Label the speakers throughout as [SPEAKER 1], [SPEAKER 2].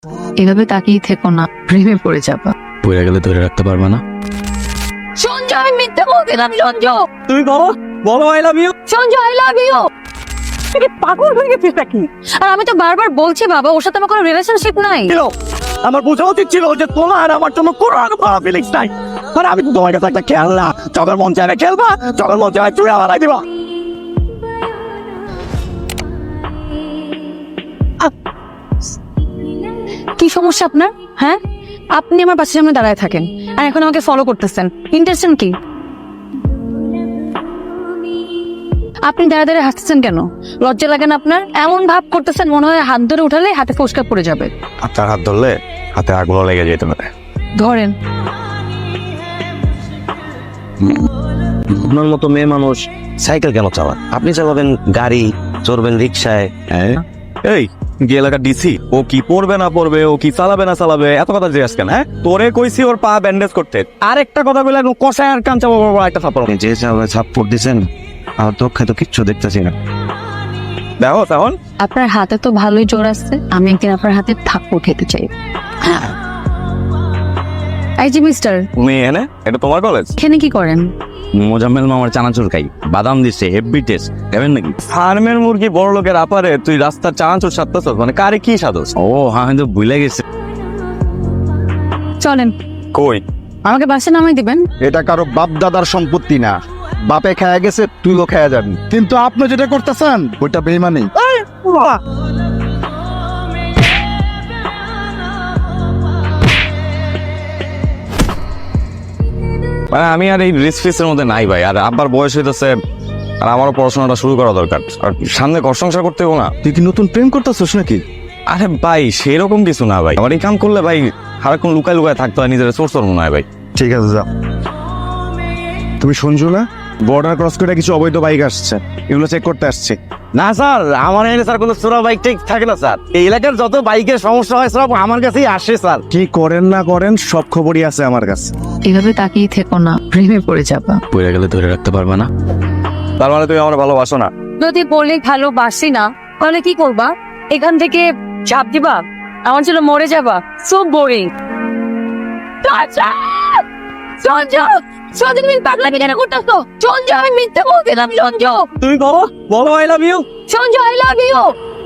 [SPEAKER 1] এভাবে তাকিয়ে থেকো না, প্রেমে পড়ে যাবা।
[SPEAKER 2] পড়ে গেলে ধরে রাখতে পারবে না।
[SPEAKER 1] সঞ্জু, আমি মিথ্যে বলছিলাম। সঞ্জু,
[SPEAKER 3] তুমি বলো বলো I love you.
[SPEAKER 1] Sanju, I love you.
[SPEAKER 3] পাগল হয়ে গেছিস নাকি?
[SPEAKER 1] আর আমি তো বারবার বলছি বাবা, ওর সাথে আমার কোনো রিলেশনশিপ নাই।
[SPEAKER 3] আমার বোঝা উচিত ছিল যে তোমার আমার জন্য কোনো খারাপ ফিলিংস নাই। আর আমি তো তোমার কাছে একটা খেলনা, যখন মন চাইবে খেলবা, যখন মন চাইবে চুড়ে হারাই দিবা।
[SPEAKER 1] কি সমস্যা আপনার? হ্যাঁ, আপনি আমার পাশের সামনে দাঁড়ায় থাকেন আর এখন আমাকে ফলো করতেছেন। ইন্টারেস্টেন কি? আপনি দাঁড়া দাঁড়িয়ে হাসতেছেন কেন? লজ্জা লাগে না আপনার? এমন ভাব করতেছেন মনে হয় হাত ধরে উঠালে হাতে ফোসকা পড়ে যাবে।
[SPEAKER 3] আপনার হাত ধরলে হাতে আগুন লেগে যেতে পারে।
[SPEAKER 1] ধরেন।
[SPEAKER 4] আপনার মতো মেয়ে মানুষ সাইকেল কেন চালান? আপনি চালাবেন গাড়ি, চড়বেন রিক্সায়।
[SPEAKER 3] এই যে এলাকার ডিসি, ও কি পড়বে না পড়বে, ও কি চালাবে না চালাবে, এত কথা জিজ্ঞেস কেন? হ্যাঁ, তোরে কইছি ওর পা ব্যান্ডেজ করতে, আরেকটা কথা বলে কষায় আর কান চাপা একটা থাপ্পড়।
[SPEAKER 4] আপনি যে সাপোর্ট দিচ্ছেন, আমার চোখে তো কিচ্ছু দেখতেছি না।
[SPEAKER 3] দেখো তখন
[SPEAKER 1] আপনার হাতে তো ভালোই জোর আছে, আমি একদিন আপনার হাতে থাপ্পড় খেতে চাই। এই যে মিস্টার,
[SPEAKER 3] তুমি এনে, এটা তোমার কলেজ?
[SPEAKER 1] এখানে কি করেন?
[SPEAKER 2] মোজাম্মেল মামার চানাচুর খাই, বাদাম দিচ্ছে, হেভি টেস্ট। খাবেন নাকি?
[SPEAKER 3] ফার্মের মুরগি বড় লোকের আপারে তুই রাস্তার চানাচুর সাততেছ, মানে কারে কি সাদস?
[SPEAKER 2] ও হ্যাঁ, আমি তো ভুলে গেছি।
[SPEAKER 1] চলেন,
[SPEAKER 3] কই?
[SPEAKER 1] আমাকে বাসে নামাই দিবেন।
[SPEAKER 5] এটা কারো বাপ দাদার সম্পত্তি না। বাপে খায়া গেছে, তুইও খায়া যাবি। কিন্তু আপনি যেটা করতেছেন ওইটা বেইমানি।
[SPEAKER 3] মানে আমি আর এই রিস্ক ফিসের মধ্যে নাই ভাই, আর আব্বার বয়স হইতেছে, আর আমারও পড়াশোনাটা শুরু করা দরকার, আর সামনে ঘর সংসার করতে হবে না।
[SPEAKER 5] তুই কি নতুন প্রেম করতেছিস নাকি?
[SPEAKER 3] আরে ভাই সেরকম কিছু না ভাই, আমার এই কাম করলে ভাই সারাক্ষণ লুকায় লুকায় থাকতে হয়, নিজের সোর্স মনে হয় ভাই।
[SPEAKER 5] ঠিক আছে, যা। তুমি শুনছো না, বর্ডার ক্রস করে কিছু অবৈধ বাইক আসছে, এগুলো চেক করতে আসছে।
[SPEAKER 4] না স্যার, আমার এখানে স্যার কোনো চোরা বাইক টেক থাকে না স্যার। এই এলাকার যত বাইকের সমস্যা হয় সব আমার কাছেই আসে স্যার।
[SPEAKER 5] কি করেন না করেন সব খবরই আছে আমার কাছে।
[SPEAKER 1] এভাবে তাকিয়ে থেকো না, প্রেমে পড়ে যাবা।
[SPEAKER 2] পড়ে গেলে ধরে রাখতে পারবে না।
[SPEAKER 3] তার মানে তুমি আমার ভালোবাসো না?
[SPEAKER 1] যদি বলে ভালোবাসি না, তাহলে কি করবা? এখান থেকে ঝাঁপ দিবা? আমার জন্য মরে যাবা? So boring. সঞ্জু, সঞ্জু, তুমি পাগলামি কেন করতেছো? সঞ্জু, আমি মিথ্যে বলছিলাম। সঞ্জু,
[SPEAKER 3] তুমি বলো বলো I love you.
[SPEAKER 1] Sanju, I love you.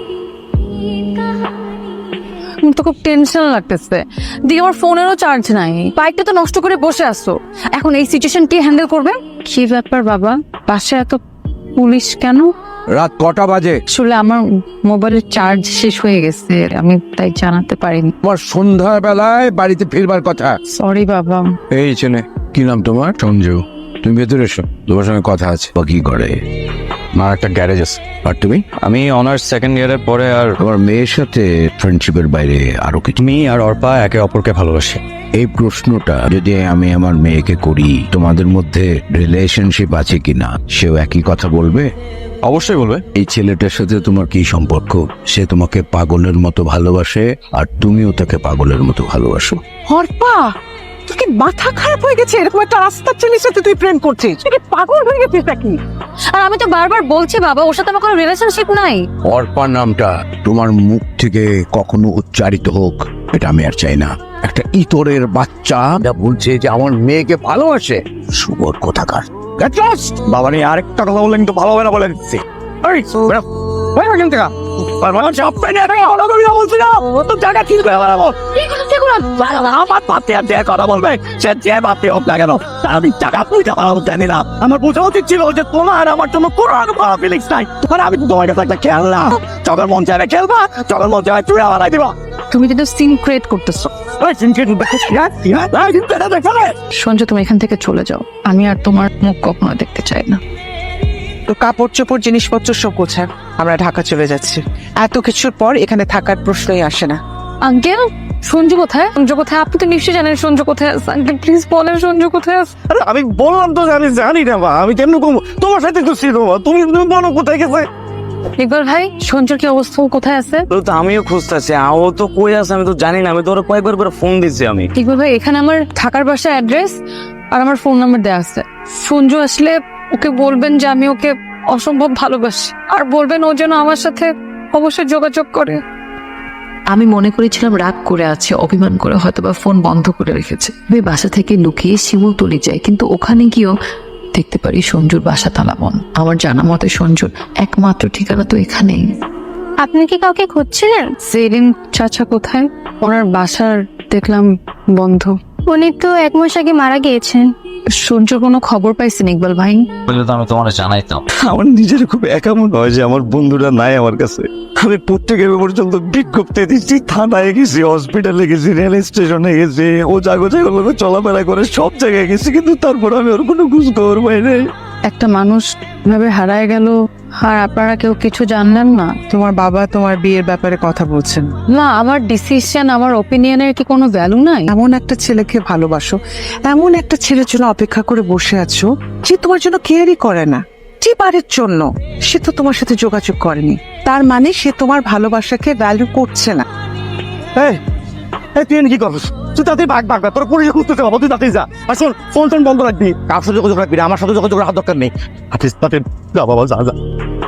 [SPEAKER 1] তো খুব টেনশন লাগতেছে, দিয়ে আমার ফোনেরও চার্জ নাই, বাইকটা তো নষ্ট করে বসে আসছো। এখন এই সিচুয়েশন কে হ্যান্ডেল করবে? কি ব্যাপার বাবা, পাশে এত পুলিশ কেন?
[SPEAKER 5] রাত কটা বাজে?
[SPEAKER 1] আসলে আমার মোবাইলের চার্জ শেষ হয়ে গেছে, আমি তাই জানাতে পারিনি।
[SPEAKER 5] তোমার সন্ধ্যা বেলায় বাড়িতে ফিরবার কথা।
[SPEAKER 1] সরি বাবা।
[SPEAKER 5] এই চেনে, কি নাম তোমার? সঞ্জু। তুমি ভেতরে এসো, তোমার সঙ্গে কথা আছে। কি করে?
[SPEAKER 2] আমার একটা গ্যারেজ আছে।
[SPEAKER 5] আর তুমি?
[SPEAKER 2] আমি অনার্স সেকেন্ড ইয়ারের পরে আর
[SPEAKER 5] তোমার মেয়ের সাথে ফ্রেন্ডশিপের বাইরে আরো কিছু?
[SPEAKER 2] তুমি আর অর্পা একে অপরকে ভালোবাসে।
[SPEAKER 5] এই প্রশ্নটা যদি আমি আমার মেয়েকে করি, তোমাদের মধ্যে রিলেশনশিপ আছে কিনা, সেও একই কথা বলবে?
[SPEAKER 3] অবশ্যই বলবে।
[SPEAKER 5] এই ছেলেটার সাথে তোমার কি সম্পর্ক? সে তোমাকে পাগলের মতো ভালোবাসে আর তুমিও তাকে পাগলের মতো ভালোবাসো।
[SPEAKER 6] হরপা, তোর কি মাথা খারাপ হয়ে গেছে? এরকম একটা রাস্তার ছেলের সাথে তুই প্রেম করছিস? তুই কি পাগল হয়ে গেছিস নাকি?
[SPEAKER 1] আর আমি তো বারবার বলছি বাবা, ওর সাথে আমার কোনো রিলেশনশিপ নাই।
[SPEAKER 5] অর্পা নামটা তোমার মুখ থেকে কখনো উচ্চারিত হোক, এটা আমি আর চাই না। একটা ইতরের বাচ্চা যা বলছে যে আমার মেয়েকে ভালোবাসে, শুভর কোথাকার। Get lost!
[SPEAKER 3] বাবা নিয়ে আরেকটা কথা বললে কিন্তু ভালো হবে না বলে দিচ্ছি। এই, বেরো। বেরো এখান থেকে। আর মানে চাপ পেয়ে নিয়ে এটাকে ভালো করি না বলছি না। ও তো জায়গা ঠিক করে বেড়াবো। আমার পাতে আর যে কথা বলবে, সে যে বাপে হোক না কেন, তার আমি টাকা পয়সা পাবো জানি না। আমার বোঝা উচিত ছিল যে তোমার আমার জন্য কোনো খারাপ ফিলিংস নাই। আর আমি তো তোমার কাছে একটা খেলনা, যখন মন চাইবে খেলবা, যখন মন চাইবে চুড়ে হারাই দিবা।
[SPEAKER 1] তুমি কিন্তু সিন ক্রিয়েট করতেছো। সঞ্জু, তুমি এখান থেকে চলে যাও, আমি আর তোমার মুখ কখনো দেখতে চাই না।
[SPEAKER 6] তো কাপড় চোপড় জিনিসপত্র সব গোছা, আমরা ঢাকা চলে যাচ্ছি। এত কিছুর পর এখানে থাকার প্রশ্নই আসে না।
[SPEAKER 1] আঙ্কেল, সঞ্জু কোথায়? সঞ্জু কোথায়? আপনি তো নিশ্চয়ই জানেন সঞ্জু কোথায় আছে। আঙ্কেল প্লিজ বলেন সঞ্জু কোথায় আছে।
[SPEAKER 3] আরে আমি বললাম তো যে আমি জানি না, বা আমি কেমন কম তোমার সাথে তো ছিল, তুমি বলো কোথায় গেছে।
[SPEAKER 1] ইকবাল ভাই, সঞ্জুর কি অবস্থা? ও কোথায় আছে?
[SPEAKER 4] তো আমিও খুঁজতেছি, ও তো কই আছে আমি তো জানি না। আমি তো ওরা কয়েকবার করে ফোন দিচ্ছি আমি।
[SPEAKER 1] ইকবাল ভাই, এখানে আমার থাকার বাসার অ্যাড্রেস আর আমার ফোন নাম্বার দেওয়া আছে। সঞ্জু আসলে ওকে বলবেন যে আমি ওকে অসম্ভব ভালোবাসি, আর বলবেন ও যেন আমার সাথে অবশ্যই যোগাযোগ করে।
[SPEAKER 7] আমি মনে করেছিলাম রাগ করে আছে, অভিমান করে হয়তোবা ফোন বন্ধ করে রেখেছে। আমি বাসা থেকে লুকিয়ে শিমুলতলি যাই, কিন্তু ওখানে গিয়েও দেখতে পারি সঞ্জুর বাসা তালাবন্ধ। আমার জানা মতে সঞ্জুর একমাত্র ঠিকানা তো এখানেই।
[SPEAKER 1] আপনি কি কাউকে খুঁজছিলেন? সেলিম চাচা কোথায়? ওনার বাসার দেখলাম বন্ধ।
[SPEAKER 8] উনি তো 1 মাস আগে মারা গিয়েছেন।
[SPEAKER 1] সঞ্জুর কোনো খবর পাইছেন ইকবাল ভাই?
[SPEAKER 2] বলে তো আমি তোমার জানাইতাম।
[SPEAKER 3] আমার নিজের খুব একা মনে হয় যে আমার বন্ধুরা নাই আমার কাছে। আমি প্রত্যেকের পর্যন্ত বিজ্ঞপ্তি দিচ্ছি, থানায় গেছি, হসপিটালে গেছি, রেল স্টেশনে গেছি, ও জায়গাগুলো চলাফেরা করে সব জায়গায় গেছি, কিন্তু তারপর আমি ওর কোনো খোঁজ খবর পাই নাই।
[SPEAKER 1] একটা মানুষ ভাবে হারায় গেল আর আপনারা কেউ কিছু জানলেন না?
[SPEAKER 6] তোমার বাবা তোমার বিয়ের ব্যাপারে কথা বলছেন।
[SPEAKER 1] না, আমার ডিসিশন, আমার ওপিনিয়নের কি কোনো ভ্যালু নাই?
[SPEAKER 6] এমন একটা ছেলেকে ভালোবাসো, এমন একটা ছেলের জন্য অপেক্ষা করে বসে আছো যে তোমার জন্য কেয়ারই করে না, যে বারের জন্য সে তো তোমার সাথে যোগাযোগ করেনি, তার মানে সে তোমার ভালোবাসাকে ভ্যালু করছে না।
[SPEAKER 4] এই তুই এখানে কি করছিস? তুই তাতে ভাগ তোর পুলিশে খুঁজতেছে বাবা, তুই তাতেই যা। আর শোন, ফোন বন্ধ রাখবি, কার সাথে যোগাযোগ রাখবি না, আমার সাথে যোগাযোগ রাখার দরকার নেই। হাতিস তাতে যা বাবা, যা যা।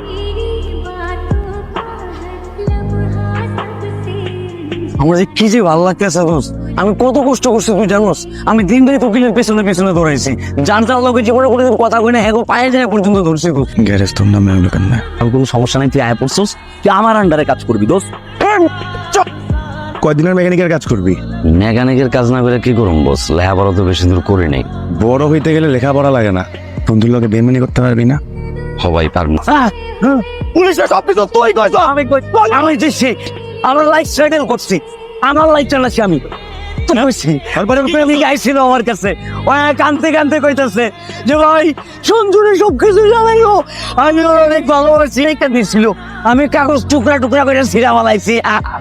[SPEAKER 2] আমার যে কি যে ভালো লাগতেছে দোস্ত, আমি কত কষ্ট করছি তুই জানোস। আমি দিন ধরে উকিলের পেছনে পেছনে দৌড়াইছি, জানতাম লোকে জীবনে কোনো কথা কই না, হ্যাঁ পায়ে যায় পর্যন্ত ধরছি।
[SPEAKER 3] গ্যারেজ তোর নামে হলো কেন?
[SPEAKER 2] আমি কোনো সমস্যা নাই, তুই আয় পড়ছিস, তুই আমার আন্ডারে কাজ করবি দোস্ত।
[SPEAKER 3] কয়দিনের মেকানিকের কাজ করবি?
[SPEAKER 2] মেকানিকের কাজ না করে কি করুম বস, লেখাপড়া তো বেশি দূর করি নাই।
[SPEAKER 3] বড় হইতে গেলে লেখাপড়া লাগে না, বন্ধুর লোকে বেমানি করতে পারবি না।
[SPEAKER 2] সবাই পারবো।
[SPEAKER 4] পুলিশের সব কিছু তুই কইছ, আমি কই?
[SPEAKER 2] আমি যে সে আমার লাইফ স্টাইল করছি, আমার লাইফ চালাচ্ছি আমি। তারপরে প্রেমিক আইছিল আমার কাছে, ও কানতে কানতে কইতাছে যে ভাই সঞ্জুরে সব কিছু জানাইও, আমি ওর অনেক ভালোবাসি, একটা দিছিল, আমি কাগজ টুকরা টুকরা করে ছিঁড়া মালাইছি।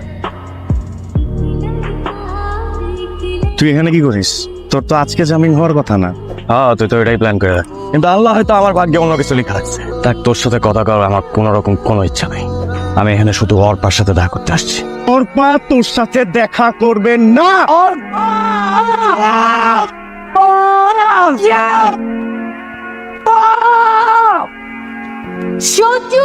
[SPEAKER 3] তুই এখানে কি করিস? তোর তো আজকে জামিন হওয়ার কথা না। হ্যাঁ, তুই তো এটাই প্ল্যান করে রাখ। কিন্তু আল্লাহ হয়তো আমার ভাগ্যে অন্য কিছু লেখা রাখছে। দেখ, তোর সাথে কথা করার আমার কোনো রকম কোনো ইচ্ছা নাই। আমি এখানে শুধু অর্পার সাথে দেখা করতে আসছি।
[SPEAKER 4] অর্পা তোর সাথে দেখা করবে না।
[SPEAKER 1] সঞ্জু!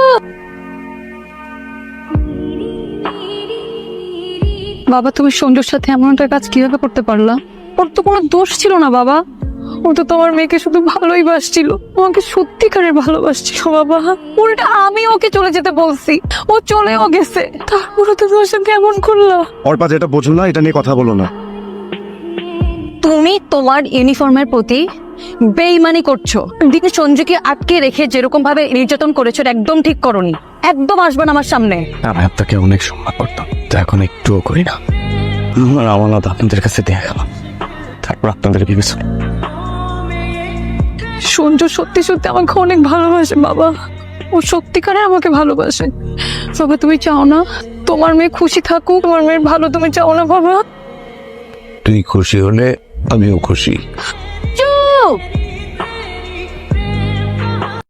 [SPEAKER 1] বাবা, তুমি সঞ্জুর সাথে এমন একটা কাজ কিভাবে করতে পারলা? ওর তো কোনো দোষ ছিল না বাবা, ও তো তোমার মেয়েকে শুধু ভালোই বাসছিল, আমাকে সত্যিকারের ভালোবাসছিল বাবা। উল্টা আমি ওকে চলে যেতে বলছি, ও চলেও গেছে, তারপরে তো তোমার সাথে এমন করলা।
[SPEAKER 3] অর্পা, যেটা বোঝো না এটা নিয়ে কথা বলো না।
[SPEAKER 1] তুমি তোমার ইউনিফর্মের প্রতি বেইমানি করছো। দিনে সঞ্জুকে আটকে রেখে যেরকম ভাবে নির্যাতন করেছো, এটা একদম ঠিক করোনি। একদম আসবে না আমার সামনে।
[SPEAKER 3] আমি আপনাকে অনেক সম্মান করতাম, তো এখন একটুও করি না। আমার আমানত আপনাদের কাছে দেয়া গেল, তারপর আপনাদের বিবেচনা।
[SPEAKER 1] সঞ্জু সত্যি সত্যি আমাকে অনেক ভালোবাসে বাবা, ও সত্যিকারে আমাকে ভালোবাসে বাবা। তুমি চাও না তোমার মেয়ে খুশি থাকুক? তোমার মেয়ের ভালো তুমি চাও না বাবা?
[SPEAKER 5] তুই খুশি হলে আমিও খুশি।